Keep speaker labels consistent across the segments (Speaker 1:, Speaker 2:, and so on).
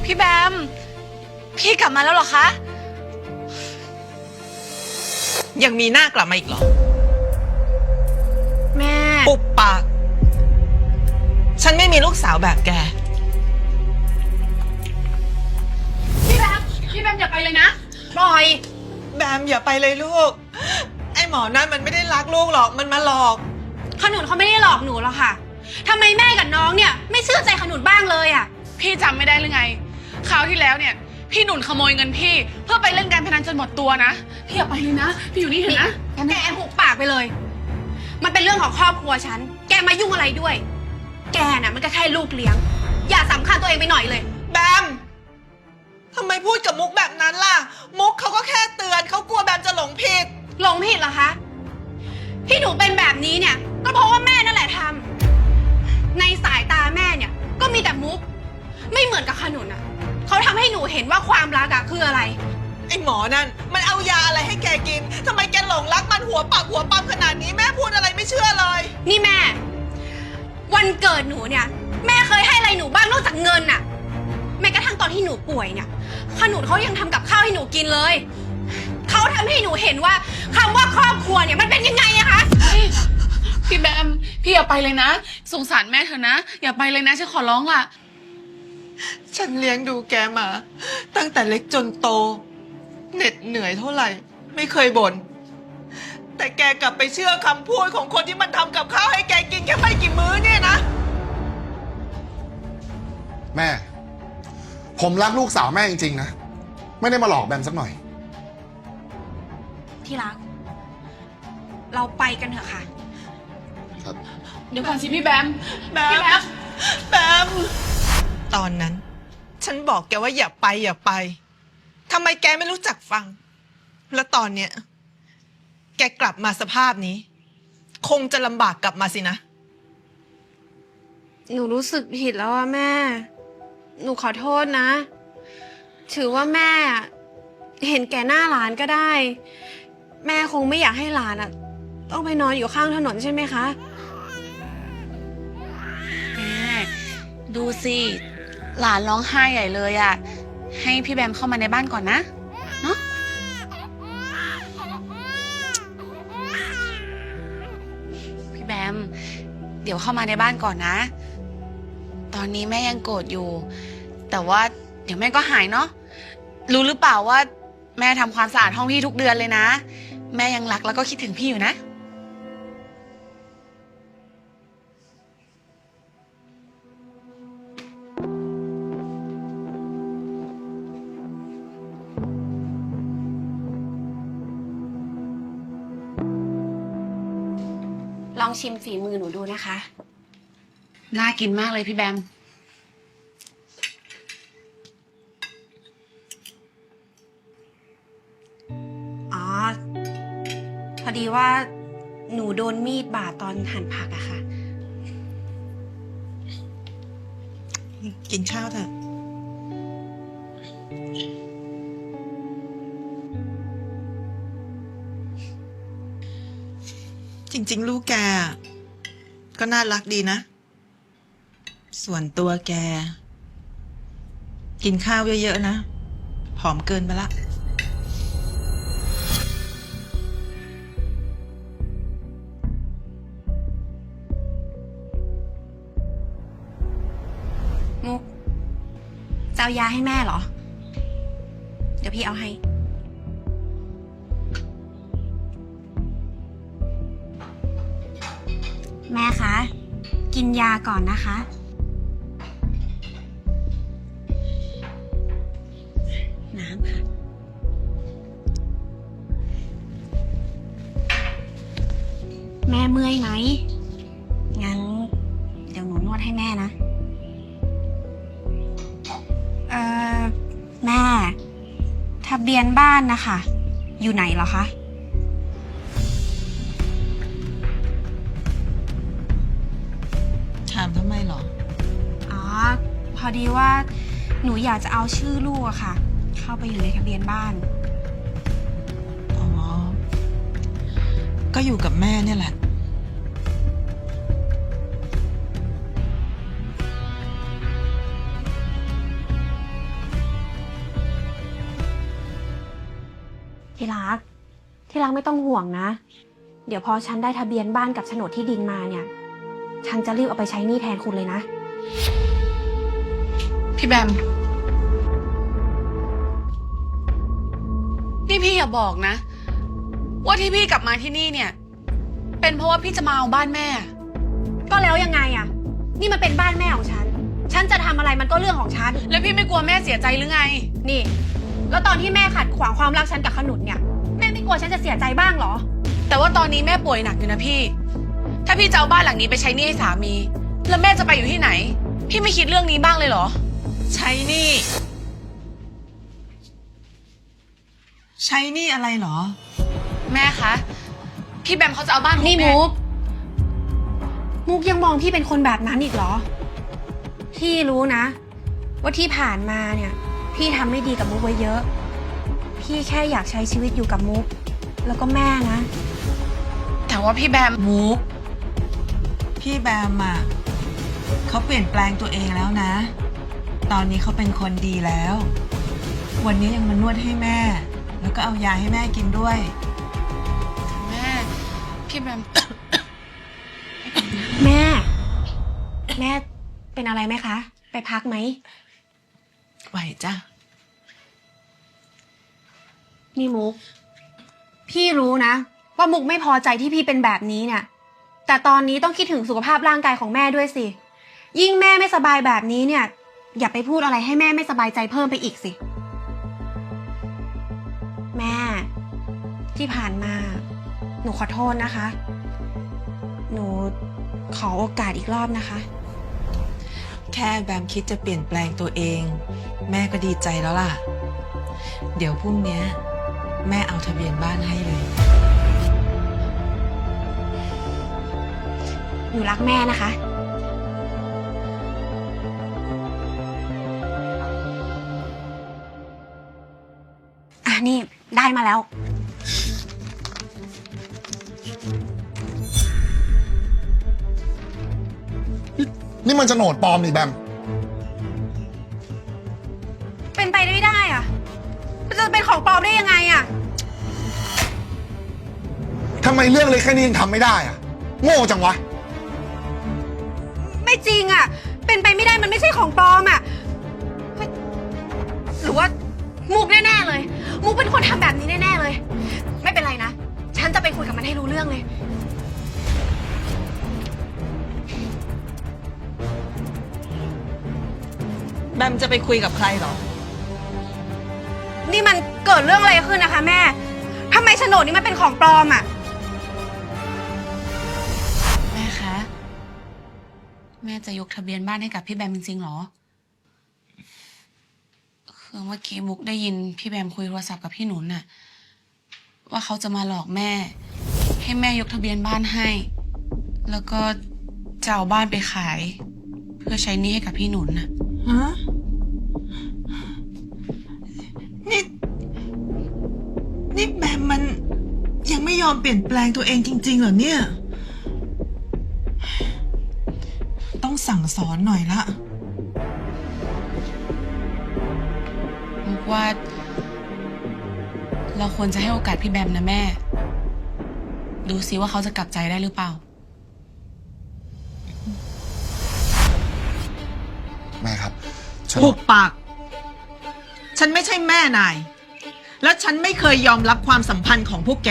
Speaker 1: พี่แบมพี่กลับมาแล้วเหรอคะ
Speaker 2: ยังมีหน้ากลับมาอีกเหรอ
Speaker 1: แม่
Speaker 2: ปุบปากฉันไม่มีลูกสาวแบบแก
Speaker 1: พี่แบมอย่าไปเลยนะปล่อย
Speaker 2: แบมอย่าไปเลยลูกไอ้หมอนั่นมันไม่ได้รักลูกหรอกมันมาหลอก
Speaker 1: ขนุนเขาไม่ได้หลอกหนูหรอกค่ะทำไมแม่กับน้องเนี่ยไม่เชื่อใจขนุนบ้างเลยอ่ะ
Speaker 3: พี่จำไม่ได้หรือไงคราวที่แล้วเนี่ยพี่หนุนขโมยเงินพี่เพื่อไปเล่นการพนันจนหมดตัวนะพี่อย่าไปเลยนะพี่อยู่นี่เถอะนะ
Speaker 1: แกหุบปากไปเลยมันเป็นเรื่องของครอบครัวฉันแกมายุ่งอะไรด้วยแกน่ะมันก็แค่ลูกเลี้ยงอย่าสำคัญตัวเองไปหน่อยเลย
Speaker 2: แบมทำไมพูดกับมุกแบบนั้นล่ะมุกเขาก็แค่เตือนเขากลัวแบมจะหลงผิด
Speaker 1: หลงผิดเหรอคะที่หนูเป็นแบบนี้เนี่ยก็เพราะว่าแม่นั่นแหละทำในสายตาแม่เนี่ยก็มีแต่มุกไม่เหมือนกับขนุนอ่ะเขาทำให้หนูเห็นว่าความรักอะคืออะไร
Speaker 2: ไอ้หมอนั่นมันเอายาอะไรให้แกกินทำไมแกหลงรักมันหัวปากหัวปั๊มขนาดนี้แม่พูดอะไรไม่เชื่อเลย
Speaker 1: นี่แม่วันเกิดหนูเนี่ยแม่เคยให้อะไรหนูบ้างนอกจากเงินน่ะแม้กระทั่งตอนที่หนูป่วยเนี่ยขนุนเขายังทำกับข้าวให้หนูกินเลยเขาทำให้หนูเห็นว่าคำว่าครอบครัวเนี่ยมันเป็นยังไงอะคะ
Speaker 3: พี่แบมพี่อย่าไปเลยนะสงสารแม่เถอะนะอย่าไปเลยนะฉันขอร้องล่ะ
Speaker 2: ฉันเลี้ยงดูแกมาตั้งแต่เล็กจนโตเหน็ดเหนื่อยเท่าไหร่ไม่เคยบ่นแต่แกกลับไปเชื่อคำพูดของคนที่มันทำกับข้าวให้แกกินแค่ไม่กี่มื้อเนี่ยนะ
Speaker 4: แม่ผมรักลูกสาวแม่จริงๆนะไม่ได้มาหลอกแบมสักหน่อย
Speaker 1: ที่รักเราไปกันเถอะค่ะ
Speaker 4: ครับ
Speaker 3: เดี๋ยวก่อนสิพี่แบม
Speaker 2: แบมตอนนั้นฉันบอกแกว่าอย่าไปทำไมแกไม่รู้จักฟังแล้วตอนเนี้ยแกกลับมาสภาพนี้คงจะลำบากกลับมาสินะ
Speaker 1: หนูรู้สึกผิดแล้วอะแม่หนูขอโทษนะถือว่าแม่เห็นแก่หน้าหลานก็ได้แม่คงไม่อยากให้หลานอะต้องไปนอนอยู่ข้างถนนใช่ไหมคะ
Speaker 3: แม่ดูสิหลานร้องไห้ใหญ่เลยอ่ะให้พี่แบมเข้ามาในบ้านก่อนนะเนาะพี่แบมเดี๋ยวเข้ามาในบ้านก่อนนะตอนนี้แม่ยังโกรธอยู่แต่ว่าเดี๋ยวแม่ก็หายเนาะรู้หรือเปล่าว่าแม่ทำความสะอาดห้องพี่ทุกเดือนเลยนะแม่ยังรักแล้วก็คิดถึงพี่อยู่นะ
Speaker 1: ลองชิมฝีมือหนูดูนะคะ
Speaker 3: น่ากินมากเลยพี่แบม
Speaker 1: อ๋อพอดีว่าหนูโดนมีดบาดตอนหั่นผักอะค่ะ
Speaker 2: กินข้าวเถอะจริงๆลูกแกก็น่ารักดีนะส่วนตัวแกกินข้าวเยอะๆนะผอมเกินไปละ
Speaker 1: มุกจะเอายาให้แม่เหรอเดี๋ยวพี่เอาให้แม่คะกินยาก่อนนะคะน้ำค่ะแม่เมื่อยไหมงั้นเดี๋ยวหนูนวดให้แม่นะแม่ทะเบียนบ้านนะคะอยู่ไหนเหรอคะ
Speaker 2: ถามทำไมหรอ
Speaker 1: อ๋อพอดีว่าหนูอยากจะเอาชื่อลูกอะค่ะเข้าไปอยู่ในทะเบียนบ้าน
Speaker 2: อ๋อก็อยู่กับแม่เนี่ยแหละ
Speaker 1: ที่รัก ที่รักไม่ต้องห่วงนะ เดี๋ยวพอฉันได้ทะเบียนบ้านกับโฉนดที่ดินมาเนี่ย ฉันจะรีบเอาไปใช้หนี้แทนคุณเลยนะ
Speaker 3: พี่แบม นี่พี่อย่าบอกนะ ว่าที่พี่กลับมาที่นี่เนี่ย เป็นเพราะว่าพี่จะมาเอาบ้านแม่
Speaker 1: ก็แล้วยังไงอะนี่มันเป็นบ้านแม่ของฉัน ฉันจะทำอะไรมันก็เรื่องของฉัน
Speaker 3: แล้วพี่ไม่กลัวแม่เสียใจหรือไง
Speaker 1: นี่ แล้วตอนที่แม่ขัดขวางความรักฉันกับขนุนเนี่ย แม่ไม่กลัวฉันจะเสียใจบ้างเหรอ
Speaker 3: แต่ว่าตอนนี้แม่ป่วยหนักอยู่นะพี่ ถ้าพี่จะเอาบ้านหลังนี้ไปใช้หนี้ให้สามี แล้วแม่จะไปอยู่ที่ไหน พี่ไม่คิดเรื่องนี้บ้างเลยเหรอ
Speaker 2: ใช้หนี่ใช้หนี่อะไรเหรอ
Speaker 3: แม่คะ พี่แบมเขาจะเอาบ้านของ
Speaker 1: นี่
Speaker 3: แม่
Speaker 1: มุกยังมองพี่เป็นคนแบบนั้นอีกเหรอ พี่รู้นะ ว่าที่ผ่านมาเนี่ย พี่ทำไม่ดีกับมุกไว้เยอะ พี่แค่อยากใช้ชีวิตอยู่กับมุก แล้วก็แม่นะ
Speaker 3: แต่ว่าพี่แบม
Speaker 2: มุก พี่แบมอ่ะเขาเปลี่ยนแปลงตัวเองแล้วนะ ตอนนี้เขาเป็นคนดีแล้ว วันนี้ยังมานวดให้แม่ แล้วก็เอายาให้แม่กินด้วย
Speaker 3: แม่ พี่แบม
Speaker 1: แม่ แม่เป็นอะไรไหมคะ ไปพักไหม
Speaker 2: ไหวจ้ะ
Speaker 1: นี่มุก พี่รู้นะ ว่ามุกไม่พอใจที่พี่เป็นแบบนี้เนี่ย แต่ตอนนี้ต้องคิดถึงสุขภาพร่างกายของแม่ด้วยสิ ยิ่งแม่ไม่สบายแบบนี้เนี่ย อย่าไปพูดอะไรให้แม่ไม่สบายใจเพิ่มไปอีกสิ แม่ ที่ผ่านมา หนูขอโทษนะคะ หนูขอโอกาสอีกรอบนะคะ
Speaker 2: แค่แบมคิดจะเปลี่ยนแปลงตัวเอง แม่ก็ดีใจแล้วล่ะ เดี๋ยวพรุ่งนี้แม่เอาทะเบียนบ้านให้เลย
Speaker 1: หนูรักแม่นะคะ นี่ได้มาแล้ว
Speaker 4: นี่มันโฉนดปลอมนี่แบม
Speaker 1: เป็นไปไม่ได้อะมันจะเป็นของปลอมได้ยังไงอะ
Speaker 4: ทำไมเรื่องเล็กแค่นี้ยังทำไม่ได้อะโง่จังวะ
Speaker 1: ไม่จริงอะเป็นไปไม่ได้มันไม่ใช่ของปลอมอะเฮ้ยหรือว่ามุกแน่ๆเลย มุกเป็นคนทำแบบนี้แน่ๆเลย ไม่เป็นไรนะ ฉันจะไปคุยกับมันให้รู้เรื่องเลย
Speaker 2: แบมจะไปคุยกับใครเหรอ
Speaker 1: นี่มันเกิดเรื่องอะไรขึ้นนะคะแม่ทำไมโฉนดนี้มันเป็นของปลอมอะ
Speaker 3: แม่คะ แม่จะยกทะเบียนบ้านให้กับพี่แบมจริงๆเหรอ คือเมื่อกี้มุกได้ยินพี่แบมคุยโทรศัพท์กับพี่หนุนน่ะ ว่าเขาจะมาหลอกแม่ ให้แม่ยกทะเบียนบ้านให้ แล้วก็จะเอาบ้านไปขาย เพื่อใช้หนี้ให้กับพี่หนุนน่ะ
Speaker 2: ฮะ นี่แบมมันยังไม่ยอมเปลี่ยนแปลงตัวเองจริงๆเหรอเนี่ย ต้องสั่งสอนหน่อยละ
Speaker 3: มุกว่าเราควรจะให้โอกาสพี่แบมนะแม่ ดูซิว่าเขาจะกลับใจได้หรือเปล่า
Speaker 4: แม่ครับโฉน
Speaker 2: หุ
Speaker 4: ด
Speaker 2: บปาก ฉันไม่ใช่แม่นาย และฉันไม่เคยยอมรับความสัมพันธ์ของพวกแก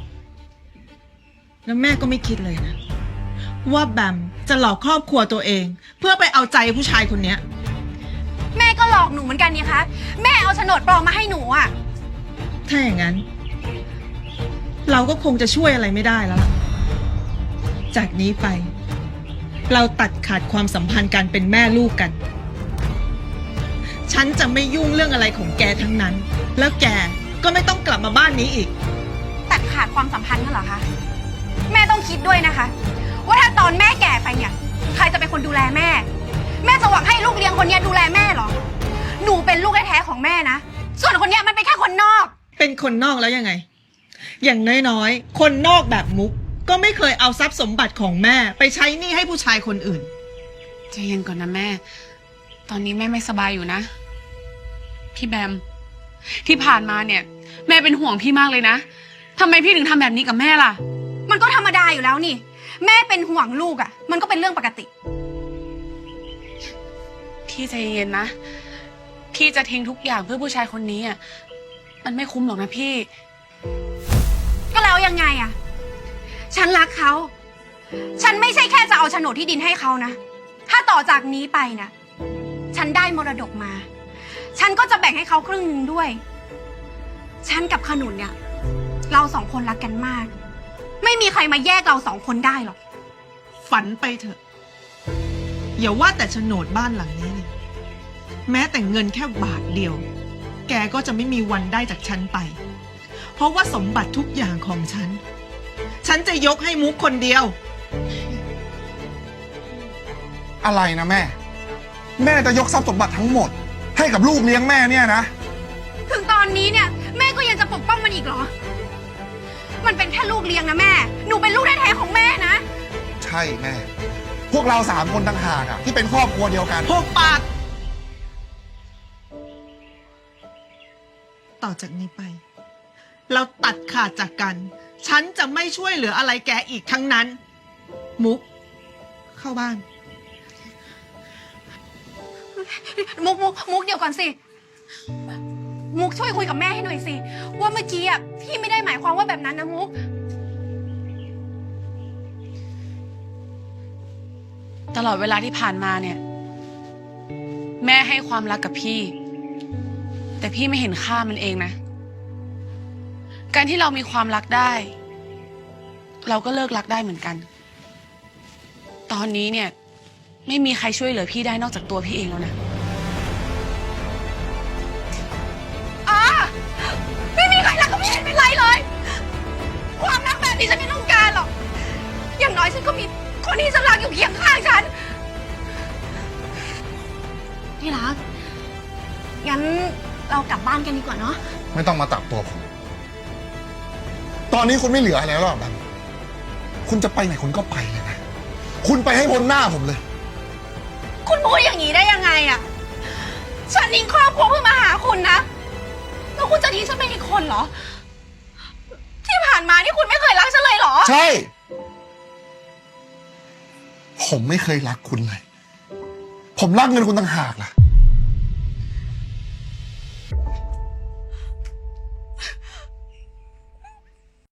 Speaker 2: แล้วแม่ก็ไม่คิดเลยนะ ว่าแบมจะหลอกครอบครัวตัวเอง เพื่อไปเอาใจผู้ชายคนเนี้ย
Speaker 1: แม่ก็หลอกหนูเหมือนกันนี่คะแม่เอาโฉนดปลอมมาให้หนูอะ
Speaker 2: ถ้าอย่างนั้น เราก็คงจะช่วยอะไรไม่ได้แล้วล่ะ จากนี้ไป เราตัดขาดความสัมพันธ์การเป็นแม่ลูกกัน ฉันจะไม่ยุ่งเรื่องอะไรของแกทั้งนั้น แล้วแกก็ไม่ต้องกลับมาบ้านนี้อีก
Speaker 1: ตัดขาดความสัมพันธ์กันเหรอคะแม่ต้องคิดด้วยนะคะ ว่าถ้าตอนแม่แก่ไปเนี่ย ใครจะเป็นคนดูแลแม่ แม่จะหวังให้ลูกเลี้ยงคนเนี้ยดูแลแม่เหรอ หนูเป็นลูกแท้ๆของแม่นะส่วนคนเนี้ยมันเป็นแค่คนนอก
Speaker 2: เป็นคนนอกแล้วยังไง อย่างน้อยๆ คนนอกแบบมุก ก็ไม่เคยเอาทรัพย์สมบัติของแม่ไปใช้หนี้ให้ผู้ชายคนอื่น
Speaker 3: ใจเย็นก่อนนะแม่ ตอนนี้แม่ไม่สบายอยู่นะ พี่แบม ที่ผ่านมาเนี่ยแม่เป็นห่วงพี่มากเลยนะทำไมพี่ถึงทำแบบนี้กับแม่ล่ะ
Speaker 1: มันก็ธรรมดาอยู่แล้วนี่ แม่เป็นห่วงลูกอะมันก็เป็นเรื่องปกติ
Speaker 3: พี่ใจเย็นๆนะ พี่จะทิ้งทุกอย่างเพื่อผู้ชายคนนี้อ่ะ มันไม่คุ้มหรอกนะพี่
Speaker 1: ก็แล้วยังไงอะฉันรักเขา ฉันไม่ใช่แค่จะเอาโฉนดที่ดินให้เขานะ ถ้าต่อจากนี้ไปนะฉันได้มรดกมา ฉันก็จะแบ่งให้เขาครึ่งหนึ่งด้วย ฉันกับขนุนเนี่ย เราสองคนรักกันมาก ไม่มีใครมาแยกเราสองคนได้หรอก
Speaker 2: ฝันไปเถอะ อย่าว่าแต่โฉนดบ้านหลังนี้เลยแม้แต่เงินแค่บาทเดียว แกก็จะไม่มีวันได้จากฉันไป เพราะว่าสมบัติทุกอย่างของฉัน ฉันจะยกให้มุกคนเดียว
Speaker 4: อะไรนะแม่ แม่จะยกทรัพย์สมบัติทั้งหมด ให้กับลูกเลี้ยงแม่เนี่ยนะ
Speaker 1: ถึงตอนนี้เนี่ย แม่ก็ยังจะปกป้องมันอีกเหรอ มันเป็นแค่ลูกเลี้ยงนะแม่ หนูเป็นลูกแท้ๆของแม่นะ
Speaker 4: ใช่แม่ พวกเรา3 คนต่างหากอะที่เป็นครอบครัวเดียวกัน
Speaker 2: พวกปากต่อจากนี้ไป เราตัดขาดจากกัน ฉันจะไม่ช่วยเหลืออะไรแกอีกทั้งนั้น มุก เข้าบ้าน
Speaker 1: มุกเดี๋ยวก่อนสิ มุกช่วยคุยกับแม่ให้หน่อยสิ ว่าเมื่อกี้อ่ะพี่ไม่ได้หมายความว่าแบบนั้นนะมุก
Speaker 3: ตลอดเวลาที่ผ่านมาเนี่ย แม่ให้ความรักกับพี่ แต่พี่ไม่เห็นค่ามันเองนะ การที่เรามีความรักได้ เราก็เลิกรักได้เหมือนกัน ตอนนี้เนี่ย ไม่มีใครช่วยเหลือพี่ได้นอกจากตัวพี่เองแล้วนะ
Speaker 1: ไม่มีใครรักก็ไม่เห็นเป็นไรเลย ความรักแบบนี้ฉันไม่ต้องการหรอก อย่างน้อยฉันก็มีคนที่ฉันรักอยู่เคียงข้างฉัน ที่รัก งั้นเรากลับบ้านกันดีกว่าเนาะ
Speaker 4: ไม่ต้องมาตับตัวผม ตอนนี้คุณไม่เหลืออะไรแล้วหรอกแบมคุณจะไปไหนคุณก็ไปเลยนะ คุณไปให้พ้นหน้าผมเลย
Speaker 1: คุณพูดอย่างนี้ได้ยังไงอะฉันทิ้งครอบครัวเพื่อมาหาคุณนะ แล้วคุณจะทิ้งฉันไปอีกคนเหรอ ที่ผ่านมานี่คุณไม่เคยรักฉันเลยเหรอ
Speaker 4: ใช่ ผมไม่เคยรักคุณเลย ผมรักเงินคุณต่างหากล่ะ